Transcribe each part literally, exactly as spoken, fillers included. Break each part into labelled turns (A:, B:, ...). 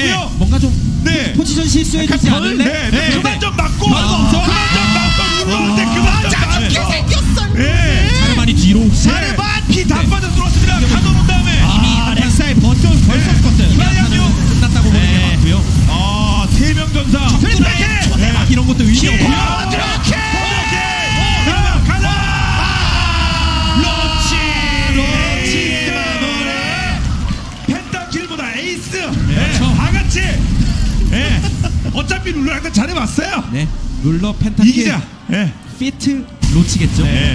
A: 맞고요.
B: 뭔가 좀
A: 네.
B: 포지션 실수해 주지
A: 약간
B: 않을래?
A: 네, 네. 그만 좀 맞고.
B: 별거 없어.
A: 그만 좀 맞고 눌러는데 그만 좀
C: 짜증게
A: 맞고.
C: 생겼어요.
A: 예.
B: 자르반이 뒤로.
A: 자르반 피다 빠져 들어왔습니다. 가둬놓은 다음에.
B: 이미 렉사의 버튼 벌써 껐어요.
A: 이하양요.
B: 끝났다고 보는 게 맞고요.
A: 아, 세명 전사.
B: 트랙 초대박 이런 것도 의미 없고.
A: 와, 드라케! 가라, 가라! 로치! 로치! 펜타킬보다 에이스! 네, 다 같이! 예. 어차피 룰러랑 잘해봤어요!
B: 네. 룰러 펜타킬
A: 이기자! 예.
B: 피트 로치겠죠.
A: 네.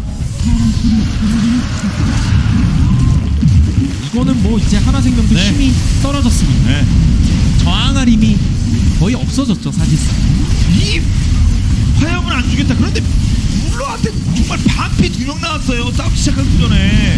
B: 이거는 뭐 이제 하나생명도
A: 네.
B: 힘이 떨어졌습니다.
A: 네.
B: 저항할 힘이 거의 없어졌죠 사실상.
A: 이 화염은 안 주겠다. 그런데 룰러한테 정말 반피 두 명 나왔어요. 싸우기 시작하기 전에.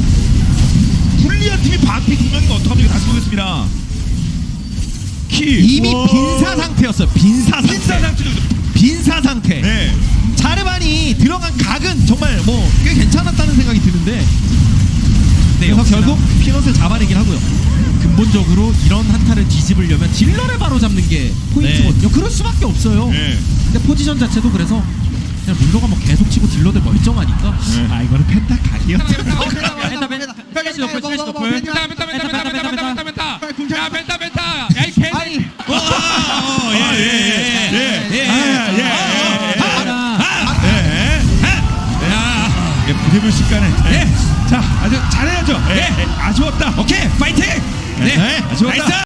A: 불리한 팀이 반피 두 명이면 어떡합니까? 다시 보겠습니다. 키.
B: 이미
A: 우와.
B: 빈사 상태였어요. 빈사 상태.
A: 빈사 상태로.
B: 빈사 상태.
A: 네.
B: 자르반이 들어간 각은 정말 뭐 꽤 괜찮았다는 생각이 드는데
A: 네,
B: 그래서 결국 피넛을 잡아내긴 하고요. 근본적으로 이런 한타를 뒤집으려면 딜러를 바로 잡는 게 포인트거든요. 그럴 수밖에 없어요.
A: 네.
B: 근데 포지션 자체도 그래서 그냥 룰러가 뭐 계속 치고 딜러들 멀쩡하니까
A: 네. 아, 이거는 펜타 각이었다.
D: 펜타 펜타 플래시 노플 플래시 노플 펜타 펜타 펜타 펜타 펜타 펜타 펜타 야 펜타 펜타 야이 개
A: 어, 예, 예, 예, 예, 예, 아, 예, 예, 예, 부대불 식간에. 자, 아주 잘해야죠. 예, 아쉬웠다. 오케이, 파이팅. 네, 아쉬웠다.